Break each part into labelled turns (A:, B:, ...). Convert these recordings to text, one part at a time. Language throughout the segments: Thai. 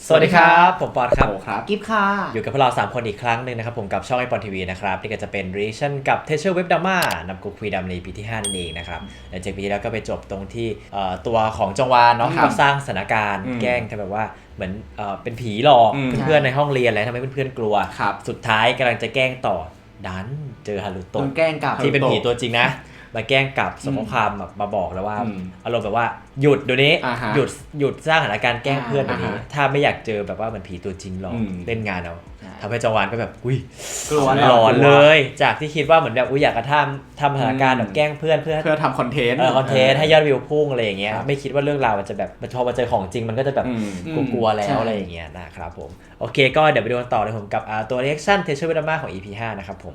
A: สวัสดีครับผมปอนครับ
B: ครับกิฟค่ะ
A: อยู่กับพวกเรา3คนอีกครั้งหนึ่งนะครับผมกับช่องไอปอนทีวีนะครับนี่ก็จะเป็น reaction กับ Teacher Web Drama นำกูคุยดำในปีที่5นั่นเองนะครับหลังจากปีที่แล้วก็ไปจบตรงที่ตัวของจงวานเนาะก็สร้างสถานการณ์แกล้งแบบว่าเหมือนเป็นผีหลอกเพื่อนๆในห้องเรียนอะไรทำให้เพื่อนๆกลัวสุดท้ายกำลังจะแกล้งต่อดันเจอฮารุโตะ
B: แกล้งกับ
A: ที่เป็นผีตัวจริงนะมาแกล้งกลับส่งข้อความมาบอกแล้วว่าอารมณ์แบบว่าหยุดเดี๋ยวนี้หยุดสร้างสถานการณ์แกล้งเพื่อนแบบนี้ถ้าไม่อยากเจอแบบว่าเหมือนผีตัวจริงหรอกเล่นงานเอาทำให้จงวานก็แบบอุ้ยหลอนเลยจากที่คิดว่าเหมือนแบบอุ้ยอยากกระทำสถานการณ์แบบแกล้งเพื่อนเพื่อ
B: ทำคอนเทนต์
A: ให้ยอดวิวพุ่งอะไรอย่างเงี้ยไม่คิดว่าเรื่องราวมันจะแบบพอมาเจอของจริงมันก็จะแบบกลัวแล้วอะไรอย่างเงี้ยนะครับผมโอเคก็เดี๋ยวไปดูกันต่อเลยผมกับตัว reaction Teacher Web Drama ของ EP 5นะครับผม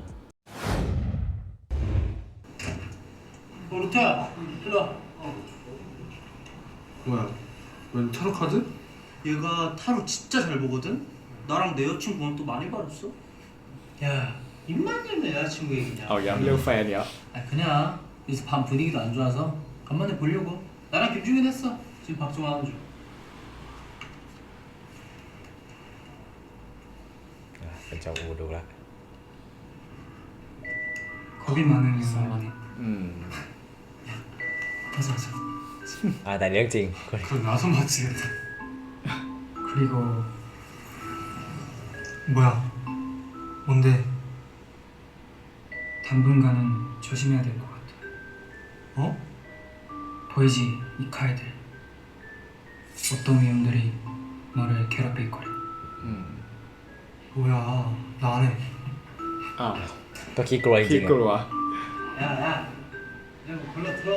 C: 루테야, 일로 와.
D: 뭐야? 웬 타로 카드?
C: 얘가 타로 진짜 잘 보거든? 나랑 내 여친 보면 또 많이 봐줬어? 야, 입만 열면 여자친구 얘기냐?
B: เอาย้ำเรื่องแฟนเนี้ย
C: 아, 그냥 요새 밤 분위기도 안 좋아서 간만에 보려고. 나랑 김중현 했어. 지금 박종원 하는 중.
A: เป็นเจ้าอูดูละ
C: 겁이 많은 사람이. 맞아.
A: แต่เรื่องจริง
C: 그럼 나도 맞지겠다. 그리고 뭐야? 뭔데? 당분간은 조심해야 될 것 같아. 어? 보이지? 이 칼들. 어떤 위험들이 너를 괴롭힐 거래. 뭐야? 나 안 해.
B: อ้าว
A: ก็ขี้กลัวจ
B: ขี้
A: ริง
B: กลัว
C: 야야, 그냥 뭐 골라 들어.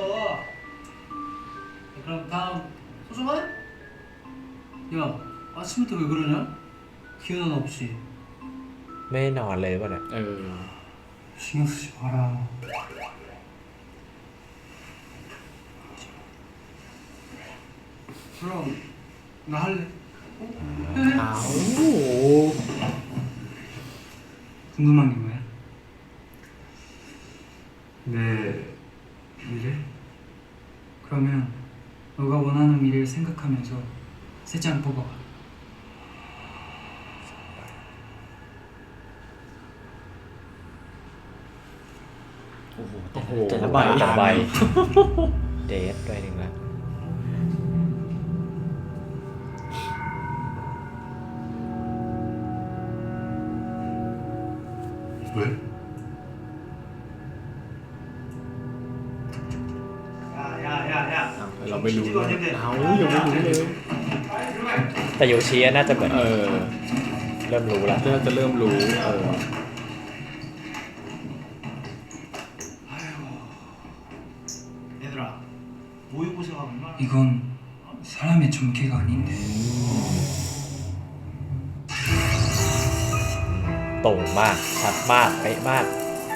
C: 그럼 다음 소중한? 야, 아침부터 왜 그러냐? 기운 하나 없이.
A: ๆไม่นอนเลยป่ะเนี่ย
C: 신경 쓰지 마라. 그럼 나 할래.
B: อ้าว
C: 궁금한 게 뭐야?
D: 내 미래?
C: 그러면 너가 원하는 미래를 생각하면서 세 장 뽑아봐.
B: โอ้โห
A: แต่ละใบเดทด้วยหนึ่งละ
D: 왜?
C: 야야야야.
B: เราไม่รู้เลยเอายังไม่รู้เลย
A: แต่โยชิน่าจะเหมือน เริ่มรู้แล้ว
B: จะเริ่มรู้
C: 얘들아, 모의고사가 얼마나? 이건 사람의 전개가 아닌데.
A: ตรงมากชัดมากเป๊ะมาก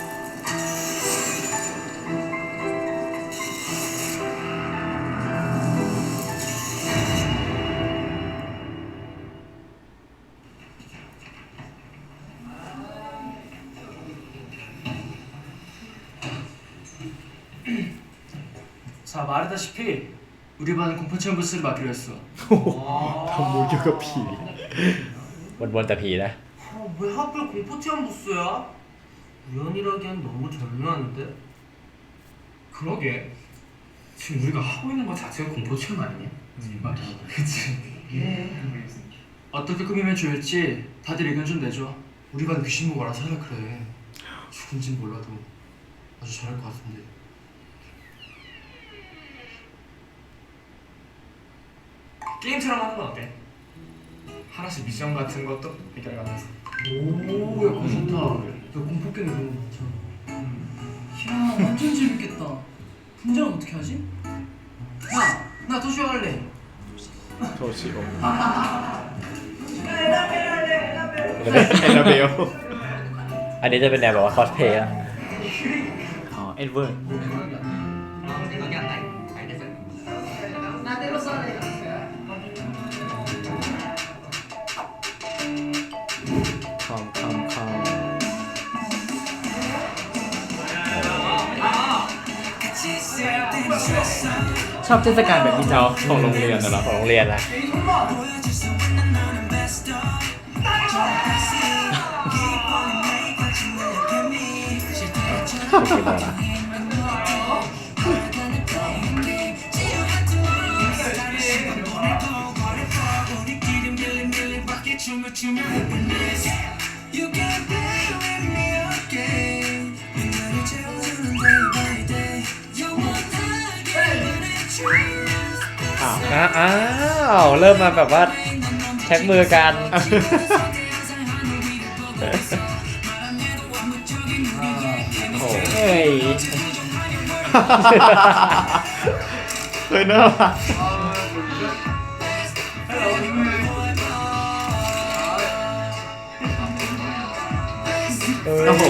C: 자, 말했다시피 우리 반은 공포 체험 부스를 맡기로 했어.
B: ทำมูลเกี่ยวกับผี
A: วนๆแต่ผีนะ
C: 왜 하필 공포 체험 부스야? 우연이라기엔 너무 절묘한데? 그러게. 지금 우리가 하고 있는 것 자체가 공포 체험 아니냐? 말이. 그치. 어떻게 꾸미면 좋을지 다들 의견 좀 내줘. 우리 반 귀신 보고 알아서 하라 그래. 죽은진 몰라도 아주 잘할 것 같은데. 게임처럼 하는 건 어때? 하나씩 미션 같은 것도 해결하면서. 오, 야, 그거 좋다. 야, 공포 게임 이런 거 좋잖아. 야, 완전 재밌겠다. 분장은 어떻게 하지? 야, 나 도시락 할래.
B: โทชิโอ
A: เ
B: แอนนาเบล
A: อันนี้จะเป็นแนวแบบว่าคอสเพย์อะ
B: อ๋อเอ็ดเวิร์ด
C: 아무 생각이 안 나. 알겠어. 나 때로 써야 돼.
B: คอม ชอบเทศกาลแบบนี้เจ้าของโรงเรียนนะเนาะ
A: ของโรงเรียนนะคือแบบ อ้าวเริ่มมาแบบว่าแช็คมือกัน
B: โอ้
A: เฮ้ย
B: เฮ้ยน่ารัก
A: โอ้โห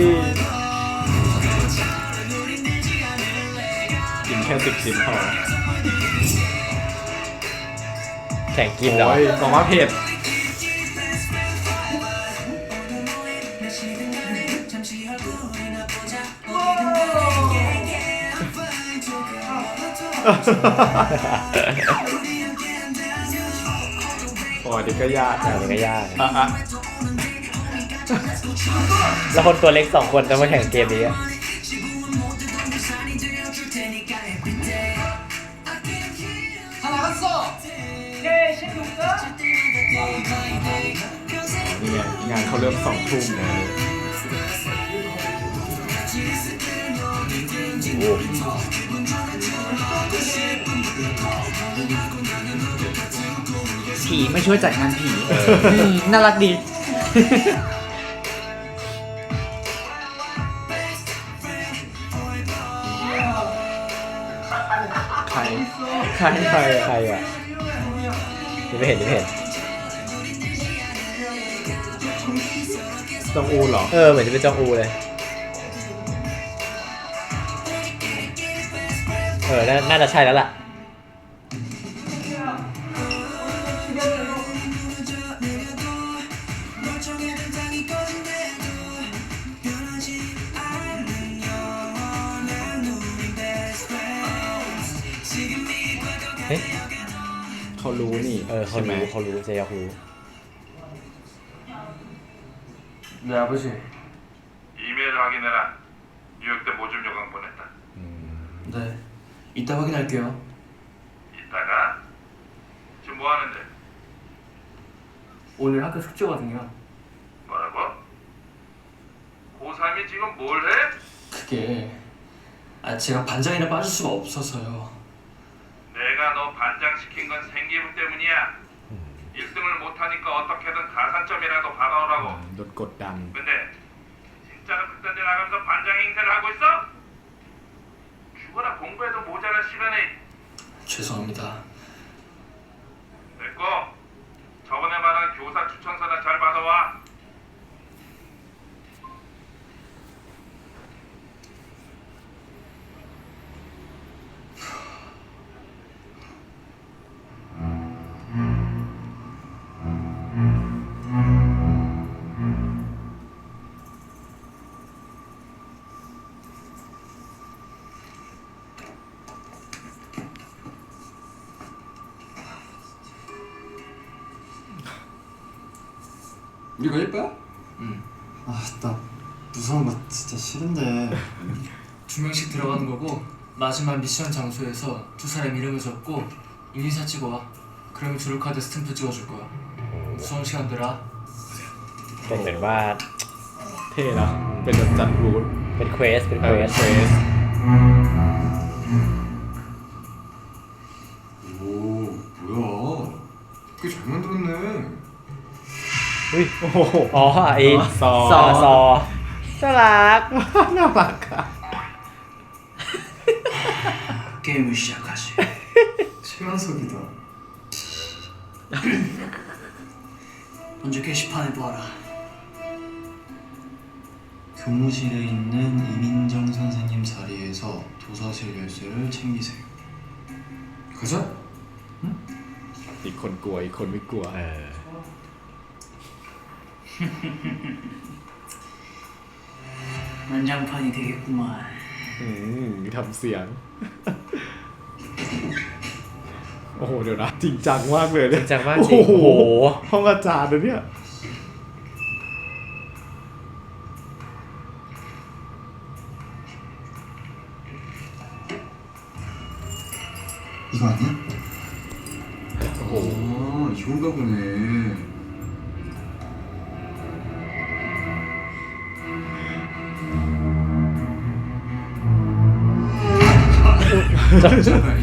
B: กินแค่10 ชิ้นพอ
A: แข่งกินเหรอ
B: โอ้ยบอกว่าเผ็ด โอ้ยเด็กก็ยาก
A: อันนี้ก็ยาก
B: อ่ะ
A: แล้วคนตัวเล็ก2 คนจะมาแข่งเกมนี้อะ
C: 다 나갔어. 오케이, 신이 올까?
B: นี่ไงงานเขาเริ่ม2 ทุ่มนะ
E: ผีไม่ช่วยจัดงานผีน่ารักดี
B: ใคร
A: ใครใครอ่ะยังไม่เห็นยังไม่เห็น
B: จองอูเหรอ
A: เหมือนจะเป็นจองอูเลยน่าจะใช่แล้วล่ะ เฮ้ย
B: เขารู้นี่
A: เขา
B: ใช่ไหม
A: รู้เจยอกรู้
C: 네, 아버지.
F: 이메일 확인해라. 뉴욕 때 모집 요강 보냈다.
C: 네, 이따 확인할게요.
F: 이따가? 지금 뭐 하는데?
C: 오늘 학교 숙제거든요.
F: 뭐라고? 고3이 지금 뭘 해?
C: 그게 제가 반장이라 빠질 수가 없어서요.
F: 내가 너 반장 시킨 건 생기부 때문이야. 1등을 못하니까 어떻게든 가산점이라도 받아오라고.
B: โดนกดดัน
F: 근데 진짜로 그딴 데 나가면서 반장 행세를 하고 있어? 죽어라 공부해도 모자랄 시간에.
C: 죄송합니다.
F: 됐고 저번에 말한 교사 추천서나 잘 받아와.
D: 우리가 예뻐요?
C: 응.
D: 나 무서운 거 진짜 싫은데.
C: 2명씩 들어가는 거고 마지막 미션 장소에서 2사람 이름을 적고 인사 찍어 와. 그러면 주루카드 스탬프 찍어줄 거야. 무서운 시간들아.
A: เป็นเหมือนว่า
B: เท่นะเป็นแบบจัดรูท
A: เป็นเควส
B: เควส
D: 오, 뭐야? 꽤 잘 만들었네.
A: อุ้ย
B: โอ้โห
A: อ๋อไอ้
B: ซอ
A: ซอน่ารัก
B: น่ารักอะ
C: 게임을 시작하지.
D: 최연석이다.
C: 먼저 게시판에 보아라.
G: 교무실에 있는 이민정 선생님 자리에서 도서실 열쇠를 챙기세요.
D: 가자.
B: อีกคนกลัวอีกคนไม่กลัว
C: 난장판이 되겠구만.
B: ทำเสียง โอ้โห เดี๋ยวนะ จริงจังมากเลยเนี่ย
A: จริงจังมาก
B: โอ้
A: จริงโอ้
B: โห
A: โห
B: ห้องอาจารย์นะเนี่ย
G: 이거 아니야?
B: โอ้โห
G: 아 이건가 보네. 잠깐만.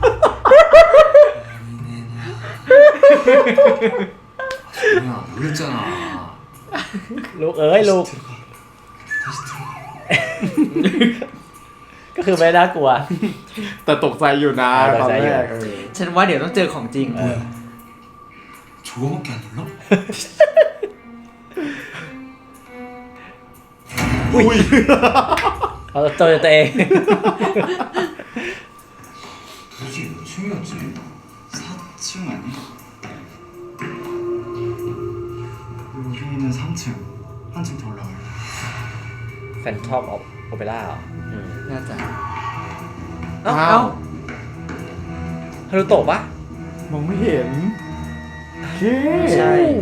G: 야 놀랬잖아.
A: ลูกเอ้ยลูก
G: 다시 들어가.
A: ก็คือไม่น่ากลัว
B: แต่ตกใจอยู่นะ
A: ต
B: ต
A: ก
B: อน
A: ใจอยู่
B: แรก
E: ฉันว่าเดี๋ยวต้องเจอของจริง
G: 저거밖에 안 놀라?
A: เขาเจอตัวเอง
G: 도대체 몇 층이었지? 4층 아니야? 우리는 3층. 한층 더 올라갈래.
A: แฟนทอมโอเปร่าเหรอ
E: น่าจะ
B: อ้า
E: เอ้าว
A: ฮารุโตะปะ
B: มองไม่เห็นโอเค
A: ใช่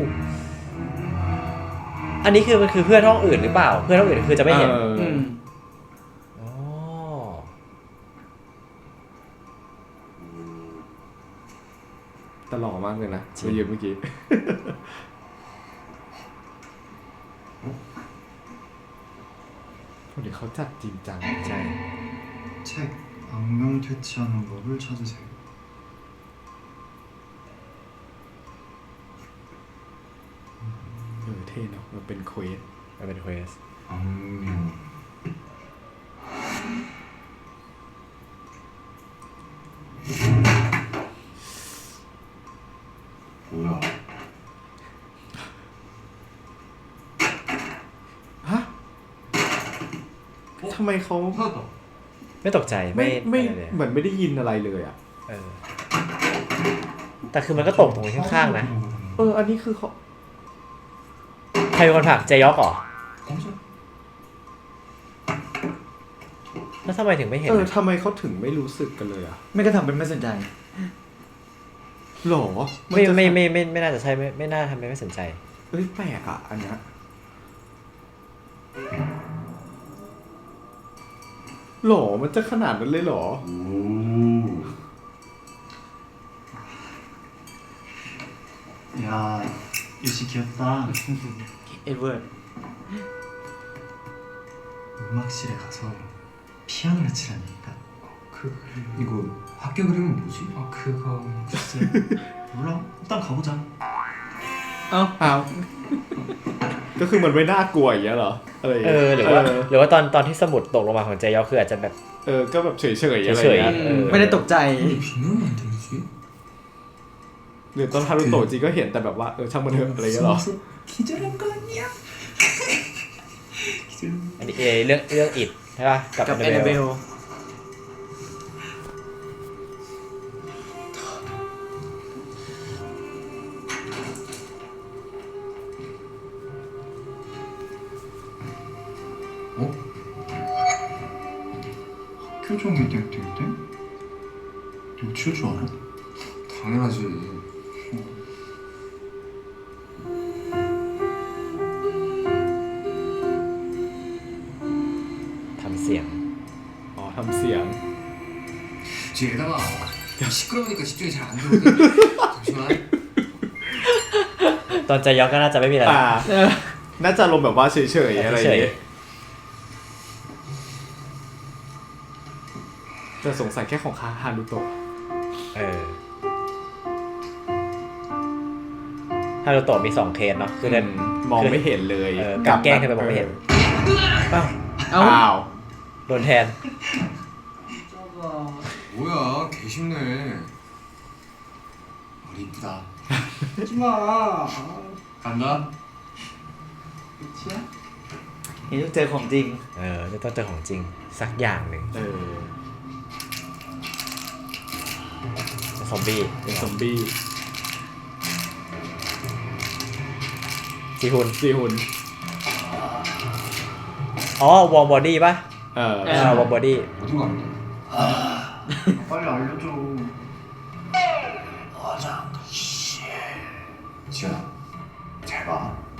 A: อันนี้คือมันคือเพื่อนห้องอื่นหรือเปล่า เพื่อนห้องอื่นคือจะไม่เห็น
E: อืม
A: อ๋อ
B: ตลกมากเลยนะ
A: จริง
B: ไปยืมเมื่อกี้คนนี้เขาจัดจริงจัง
A: ใช่
G: 책 악명 퇴치하는 법을 찾으세요.
B: เท่เนาะมันเป็นเควส
A: มันเป็นเควส
G: 악명. 뭐야?
B: ฮะทำไมเขา
C: 찾았다.
A: ไม่ตกใจ
B: ไม่
A: อะไรเลย
B: เหมือนไม่ได้ยินอะไรเลยอ่ะ
A: เออ แต่คือมันก็ตกตรงข้างๆนะ
B: อันนี้คือเขา
A: ใครเป็นคนผลักเจยอกเหรอ
G: 검사.
A: แล้วทำไมถึงไม่เห็นอะ
B: ทำไมเขาถึงไม่รู้สึกกันเลยอ่ะ
E: ไม่ก็ทำเป็นไม่สนใจ
B: หรอ
A: ไม่
B: จะ
A: ไม่น่าจะใช่ไม่น่าทำไมไม่สนใจ
B: เอ้ยแปลกอ่ะ อันเนี้ยหรอมันจะขนาดนั้นเลยเหรอ
G: 오. 야, 유시 귀엽다.
E: เอ็ดเวิร์ด
G: 음악실에 가서 피아노를 치라니까.
C: 이거 학교 그림은 뭐지? 아 그거
G: 글쎄, 몰라. 일단 가보자.
E: เอ้า
B: อ้าว ก็คือมันไม่น่ากลัวอย่างเงี้ยเหรอ อะไรอย่าง
A: เอ
B: เงี้ย
A: อ หรือว่าตอนที่สมุดตกลงมาของเจยอกคืออาจจะแบบ
B: ก็แบบเฉยๆอะไรอย่าง
A: เฉย
B: เงี้ย
A: ๆ
E: ไม่ได้ตกใจ
C: 근데 비명이 안 들리지?
B: หรือตอนฮารุโตะจริงก็เห็นแต่แบบว่าช่างมันเถอะอะไรอย่างเงี้ยเหรอ
C: 기절한 거 아니야?
A: อันนี้เรื่องอิดใช่ป่ะ กับ
E: กับ
A: แอ
E: แอน
A: น
E: นา
A: นา
E: เบ
A: เบล
E: ล
G: 학교 종교대학 때? 너 치울 줄 알아? 당연하지.
A: ทำเสียง
B: อ๋อทำเสียง
C: 뒤에다가 시끄러우니까 집중이 잘 안 되거든. 잠시만.
A: ตอนเจยอกก็น่าจะไม่มีอะไร
B: น่าจะลมณ์แบบว่าเฉยๆอะไรอย่างเงี้ยแต่สงสัยแค่ของฮารุโตะ
A: เออฮารุโตะมี2เคสเนาะคือเดิน
B: มองไม่เห็นเลย
A: การแกล้งทำไมมองไม่เห็น
E: เอ้า
B: อ้าว
A: โดนแทน
G: 뭐야, 개쉽네. 머리 이쁘다.
C: 하지마.
G: 간다.
E: เห็นต้องเจอของจริง
A: จะต้องเจอของจริงสักอย่างหนึ่ง ซอมบี้
B: เป็นซอมบี้
A: จีฮุน
B: ซีฮุน
A: อ๋อวอร์มบอดี้ป่ะ วอร์มบอดี้
C: 어딘 거 아니야?
G: 빨리 알려줘.
H: 지현아, 잘 봐.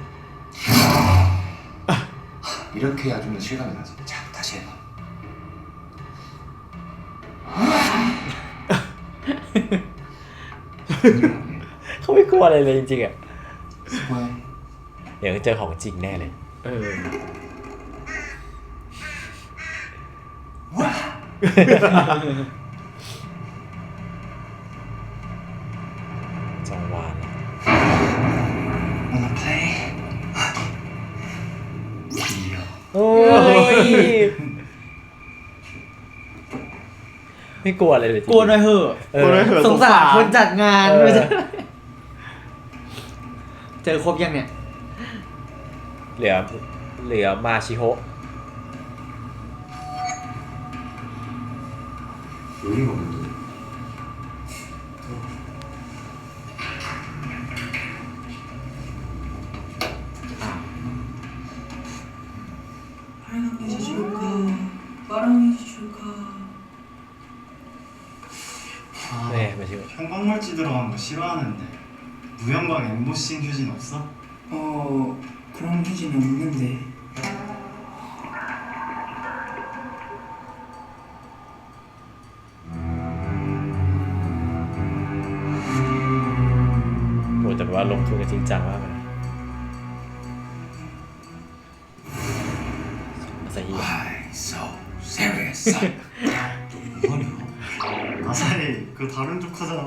H: 이렇게 해야 좀 더 실감이 나지. 자, 다시 해봐.
A: เขาไม่กลัวอะไรเลยจริงๆอ่ะ
D: 수고해.
A: เดี๋ยวเจอของจริงแน่เลย
B: เออ
A: จังหวะ
D: Wanna play?
A: โอ้ยไม่กลัวอะไรเลยจริงๆ
E: กลัวหน่อยเหอะ
A: เออ
B: กลัวหน่อยเหอะ
E: สงสารคนจัดงาน
A: เออ
E: เจอครบยังเนี่ย
A: เหลือมาชิโฮะ
H: 요리 먹는데.
C: 빨강 이제 축하. 파랑 이제 축하.
A: แม่มาชิโฮะ
D: 형광물질 들어간 거 싫어하는데 무형광 엠보싱 휴진 없어?
C: 그런 휴지는 없는데.
A: โหแต่ว่าลงทุนกันจริงจังมากเลยอาซาฮิ
H: Why so serious? 뭐하냐?
D: 아사히 그거 다른 조카잖아.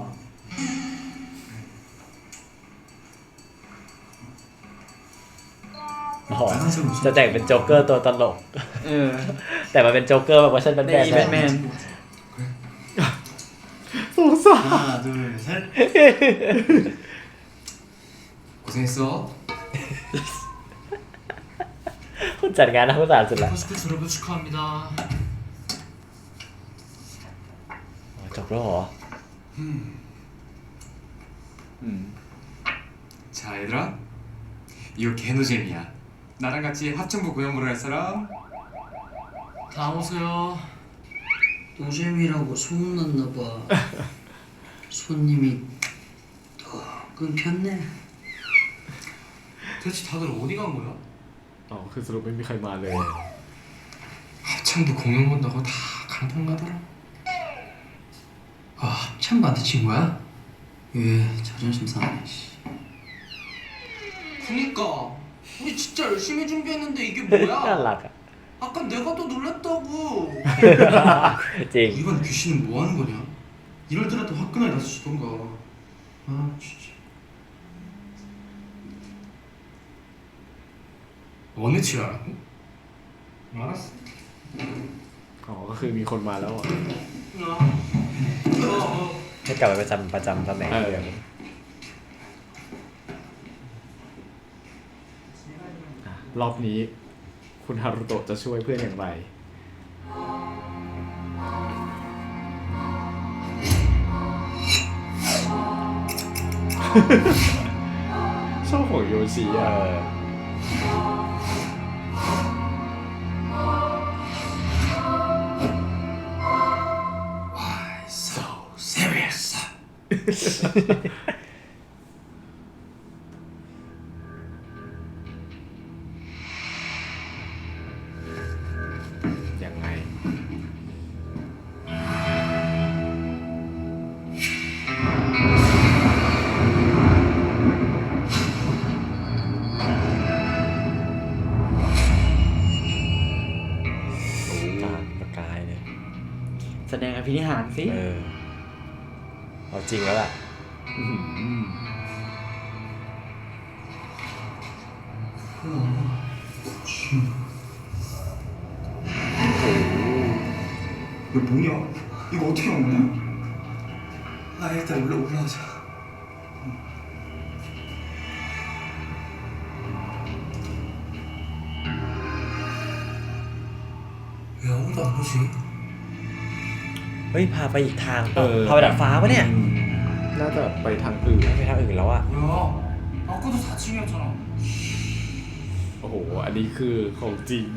A: อ๋อจะแต่งเป็นโจ๊กเกอร์ตัวตลก
E: เออ
A: แต่มันเป็นโจ๊กเกอร์แบบเวอร์ชันแบท
E: ใน
A: แมน
E: อีแบทแมน
B: สงสาร
D: 하나 둘 셋.
G: 고생했어.
A: คนจัดงานน่าสงสารสุดละ
C: 코스프 졸업을 축하합니다.
A: อ๋อจบแล้วเหรอ
G: 자 얘들아, 이거 개노잼이야. 나랑 같이 합창부 고연부를 할 사람?
C: 다 오세요. 노잼이라고 소문났나봐. 손님이 더 끊겼네. 대체 다들 어디 간 거야?
B: อ๋อคือสรุปไม่มีใครมาเลย
G: 합창부 공연 본다고 다 강탈나더라.
C: 아, 합창반대 친구야? 얘 자존심 상하네. 그니까 우리 진짜 열심히 준비했는데 이게
A: น่ารั
C: 뭐야?
A: กอ่ะ
C: 아까 내가 더 놀랬다고.
A: จริง
G: 이번 귀신은 뭐 하는 거냐? 이럴 때라도 화끈하게 나서주던가. 아 진짜. 어느 치라고? 알았어.
B: อ๋อก็คือมีคนมาแล้วอ่ะ
A: ให้กลับไปประจำตำแหน่ง
B: เออ
A: เดิม
B: รอบนี้ คุณฮารุโตะจะช่วยเพื่อนอย่างไร ชอบของโยชิ
A: เอ
B: อ่ะ
A: อ
G: So serious.
B: ยังไง
A: ตาประกายเลย
E: แสดงอภินิหารสิ
A: เออเอาจริงแล้วล่ะ
B: อื้อหือ
D: 이거 뭐냐? 이거 어떻게 먹냐?
G: 아 일단 올라가자. 왜 아무도 안 오지?
A: เฮ้ย พาไปอีกทางปะพาไปดัดฟ้าปะเนี่ย
B: น่าจะไปทางอื่น
A: ไปทางอื่นแล้วอ่ะ
C: 뭐야? 아까도 4층이었잖아.
B: โอ้โห อันนี้คือของจริง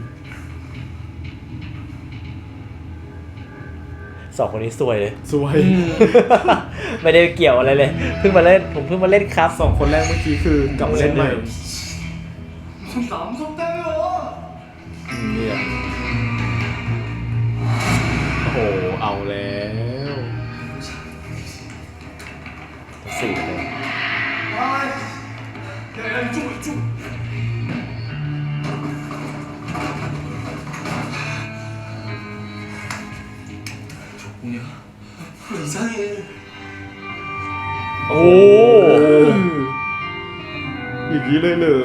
A: สองคนนี้ซวยเลย
B: สวย
A: ไม่ได้เกี่ยวอะไรเลย ผมเพิ่งมาเล่นครับ
B: สองคนแรกเมื่อกี้คือกลับมาเล่นใหม่
C: 무섭다 무섭다며.
B: เนี่ยโอ้โห เอาแล้ว
H: 뭐냐? 이상해.
B: โอ้อย่างนี้เลยเหรอ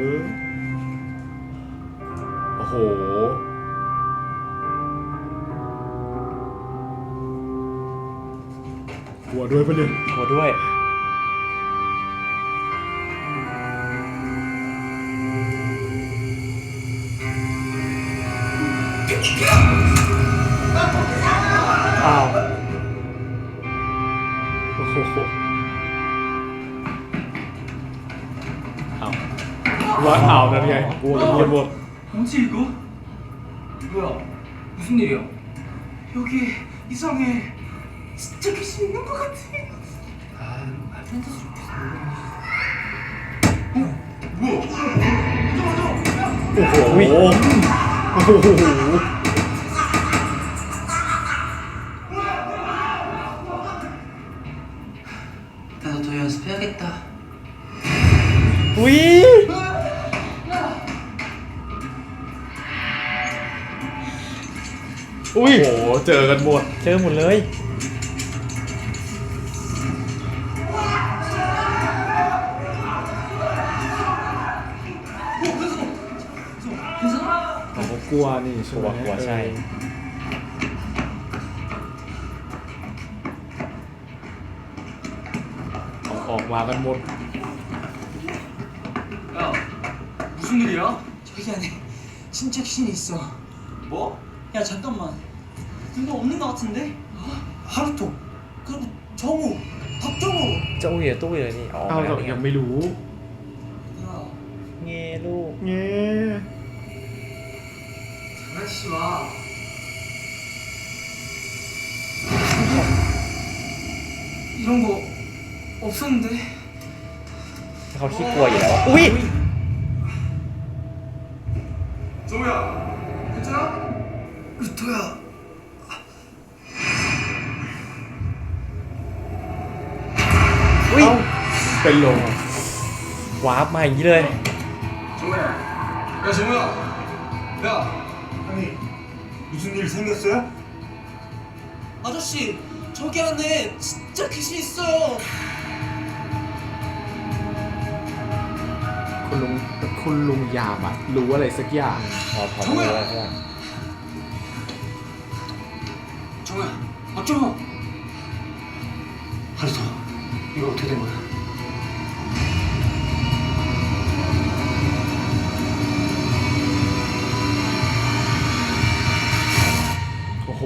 B: โอ้โหกลัวด้วยปะเนี่ย
A: กลัวด้วย
B: อ้าวโอ้โหอ้าวว่าอ้าวนั่นไงกลัวกันหมด
C: 뭐지 이거? 뭐야? 무슨 일이야? 여기 이상해. 진짜 귀신 있는 것 같아. 아, 말도 안 되는 소리 계속
B: โอ้โหโอ้โห
C: 나도 더 연습해야겠다.
A: อุ้ย
B: อุ้ยโอ้โหเจอกันหมด
A: เจอหมดเลย
B: เขาก็กลัวนี่ใช่ไหม
A: กลัวใช่
B: เอาออกมากันหมด
C: 야, 무슨 일이야?
I: 저기 안에 진짜 귀신이 있어.
C: 뭐?
I: 야 잠깐만. 누가 없는 것 같은데?
C: 하루토.
I: 그리고 정우, 박정우.
A: เจ้าอยู่ในตู้เลยนี่อ๋อ
B: เอา
A: มาแล้ว
B: เรา
A: นี่
B: ยังไม่รู้
I: 야,
A: เงี้ยลูก
B: เงี้ย
C: 장난치지 마. 이런 거 없었는데.
A: เขาขี้กลัวอยู่แล้วอุ้ย
C: 정우야, 괜찮아? 루토야.
A: อุ้ย
B: เป็นลม
A: วาร์ปมาอย่างนี้เลย
C: 정우야. 야, 정우야. 야.
D: 아니 무슨 일 생겼어요?
I: 아저씨 저기 안에 진짜 귀신 있어요.
B: คุณลุงยามอะรู้อะไรสักอย่าง
A: พอรู้แล้วใช่ไหม
C: 정우야, 박정우. 하루토, 이거 어떻게 된 거야?
B: โอ้โห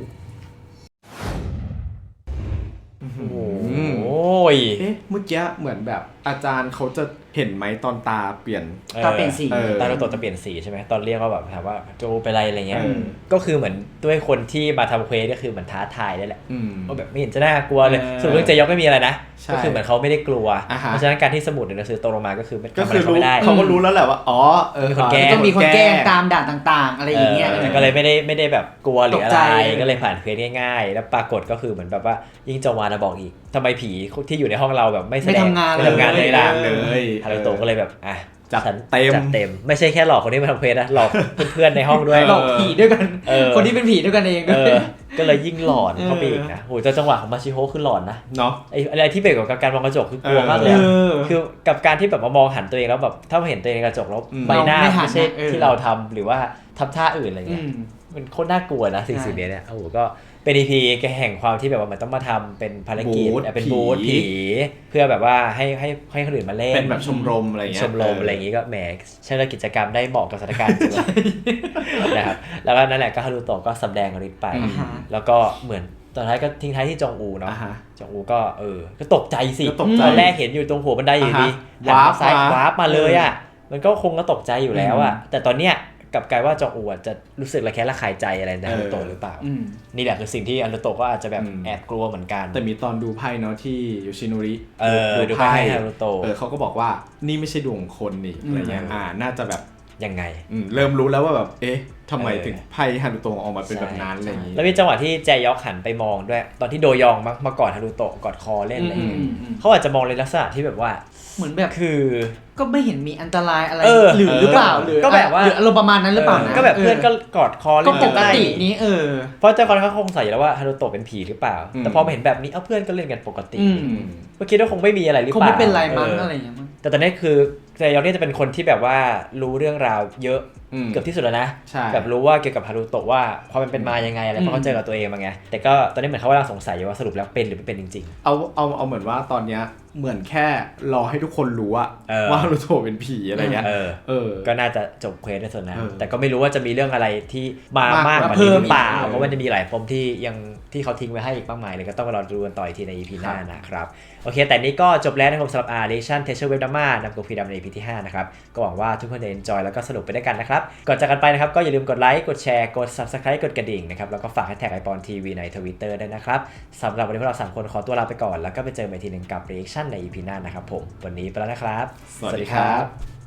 A: โอ้ย
B: เอ๊ะเมื่อกี้เหมือนแบบอาจารย์เขาจะเห็นไหมตอนตาเปลี่ยน
E: ตาเปลี่ยนสี
B: เออ
A: ตาเราโตจะเปลี่ยนสีใช่ไหมตอนเรียกก็แบบถามว่าโจเป็นไรอะไรเงี้ย
B: อืม
A: ก็คือเหมือนด้วยคนที่มาทำเควสก็คือเหมือนท้าทายได้แหละ
B: อืม
A: ว่าแบบไม่เห็นจะน่ากลัวเลย
B: เออ
A: สรุปเรื่องเจยอกไม่มีอะไรนะ
B: ใช่
A: ก็คือเหมือนเขาไม่ได้กลัว
B: อ่าฮะ
A: เพราะฉะนั้นการที่สมุดในหนังสือตกลงมาก็คือไม่
B: ก็
A: ทำอะ
B: คื
A: ไร
B: อ
A: เขา
B: รู้
A: ไม่ได้
B: เขาก็รู้แล้วแหละว่าอ๋อเออ
A: มีคนแกล้
E: ต้องมีคนแกล้งตามด่านต่างๆ อะไรอย่างเงี้ย
A: แต่ก็เลยไม่ได้แบบกลัวหรืออะ
E: ตกใจ
A: ไรก็เลยผ่านเควสง่ายๆ แล้วปรากฏก็คือเหมือนแบบว่ายิ่งจงวานบอกอีกทำไมผีที่อยู่ในห้องเราแบบไม่แสดง
E: ไม่ทำงาน
A: ไม่ทำงานเลยล่ะ
B: เลย
A: ฮารุโตะก็เลยแบบอ่ะ
B: จัด
A: ฉัน
B: เต็ม
A: จัดเต็มไม่ใช่แค่หลอกคนที่มาทำเควสนะหลอกเพื่อนๆในห้องด้วย
E: หลอกผีด้วยกัน
A: เออ
E: คนที่เป็นผีด้วยกันเอง
A: ก็เลยยิ่งหลอนเข้าไปอีกนะโหแต่จังหวะของมาชิโฮคือหลอนนะ
B: เนาะ
A: ไอ้อะไรที่เบรกกับการมองกระจกคือกลัวมากเลย
B: เอ
A: อะ
B: อ
A: คือกับการที่แบบมามองหันตัวเองแล้วแบบถ้ามาเห็นตัวเองในกระจกแล้ว
B: อืม
A: ใบหน้า
E: เราไม่หัน
A: ไม่ใช่
E: นะเออ
A: ที่เราทำหรือว่าทำท่าอื่นอะไร
E: อื
A: เงี้ย
E: ม
A: มันโคตรน่ากลัวนะสิ่ง
E: ใช่
A: สิ่งนี้เนี่ยโอ้โหก็เป็น EP แห่งความที่แบบว่ามันต้องมาทำเป็นภารกิจ
B: บูธ
A: เป็นบูธ
B: ผี
A: ผีเพื่อแบบว่าให้คนอื่นมาเล่น
B: เป็นแบบชมรมอะไรเงี้ย
A: ชมรมอะไรอย่างงี้ก็แหมใช้กิจกรรมได้เหมาะกับสถานการณ์จริงๆนะครับแล้วก็นั่นแหละก็ฮารุโตะก็สำแดงฤทธิ์ไป
B: อืม
A: แล้วก็เหมือนตอนท้ายก็ทิ้งท้ายที่จองอูเนาะ
B: อ่าฮะ
A: จองอูก็ก็ตกใจสิ
B: ก็ตกใจ
A: ตอนแรกเห็นอยู่ตรงหัวบันไดอยู่ดี
B: อ่าฮะ
A: หันมาซ้ายว
B: าร์ปมา
A: วาร์ปมาเลยอ่ะมันก็คงก็ตกใจอยู่แล้วอ่ะแต่ตอนเนี้ยกลับกลายว่าจองอูอ่ะจะรู้สึกระแคะระคายใจอะไรในฮารุโตะหรือเปล่า
E: อืม
A: นี่แหละคือสิ่งที่ฮารุโตะก็อาจจะแบบ
B: อืม
A: แอบกลัวเหมือนกัน
B: แต่มีตอนดูไพ่เนาะที่โยชิโนริ
A: ดูไพ่ให้ฮารุโตะ
B: เขาก็บอกว่านี่ไม่ใช่ดวงของคนนี่อะไรเงี้ย
A: อืม
B: น่าจะแบบ
A: ยังไง
B: เริ่มรู้แล้วว่าแบบเอ๊ะทำไมถึงไพ่ฮารุโตะออกมาเป็นแบบนั้นอะไรอย่างงี้
A: แล้วมีจังหวะที่แจยอกหันไปมองด้วยตอนที่โดยองมากอดฮารุโตะกอดคอเล่นอะไรอย่างเงี้ยเขาอาจจะมองในลักษณะที่แบบว่า
E: เหมือนแบบ
A: คือ
E: ก็ไม่เห็นมีอันตรายอะไร
A: ห
E: หรือเปล่าหรือ
A: ก็แบบว่า
E: หรืออารมณ์ประมาณนั้นหรือเปล่านะ
A: ก็แบบเพื่อนก็กอดคอ
E: ก็
A: เล่น
E: ปกตินี้
A: เพราะเจ้าคนเขาคงใส่แล้วว่าฮารุโตะเป็นผีหรือเปล่า แต่พอมาเห็นแบบนี้เพื่อนก็เล่นกันปกติก็คิดว่าคงไม่มีอะไรหรือ
E: คง
A: เปล่า
E: ไม่เป็นไรมั้งอะไรอย่างเงี้ยมั้ง
A: แต่ตอนนี้คือแจยอกเนี่ยจะเป็นคนที่แบบว่ารู้เรื่องราวเยอะเกือบที่สุดแล้วนะ
B: ใช่
A: แบบรู้ว่าเกี่ยวกับฮารุโตะว่าความเป็นมายังไงอะไรเพราะเขาเจอกับตัวเองมาไงแต่ก็ตอนนี้เหมือนเขากำลังสงสัยอยู่ว่าสรุปแล้วเป็นหรือไม่เป็นจริง
B: เอาเหมือนว่าตอนเนี้ยเหมือนแค่รอให้ทุกคนรู้ว่าฮารุโตะเป็นผีอะไรเงี้ย
A: ก็น่าจะจบเควสในส่วนนั้น
B: เออ
A: แต่ก็ไม่รู้ว่าจะมีเรื่องอะไรที่มามาก
B: มาก
A: กว่า
B: เพิ่
A: นี้
B: ม
A: หรือเปล่า
B: อีก
A: เพราะว่าจะมีหลายปมที่เขาทิ้งไว้ให้อีกมากมายเลยก็ต้องมารอดูกันต่ออีกทีใน EP หน้านะครับโอเคแต่นี้ก็จบแล้วนะครับสำหรับ Relation Teacher Web Drama นำกูพีดำใน EP ที่ 5 นะครับก็หวังว่าทุกคนจะ enjoy แล้วก็สนุกไปด้วยกันนะครับก่อนจากกันไปนะครับก็อย่าลืมกดไลค์กดแชร์กด Subscribe กดกระดิ่งนะครับแล้วก็ฝากแท็กไอปอนทีวีใน Twitter ด้วยนะครับสำหรับวันนี้พวกเรา3คนขอตัวลาไปก่อนแล้วก็ไปเจอกันอีกทีหนึงกับ Reaction ใน EP หน้านะครับผมวันนี้ไปแล้วนะครับ
B: สวัสดีครับ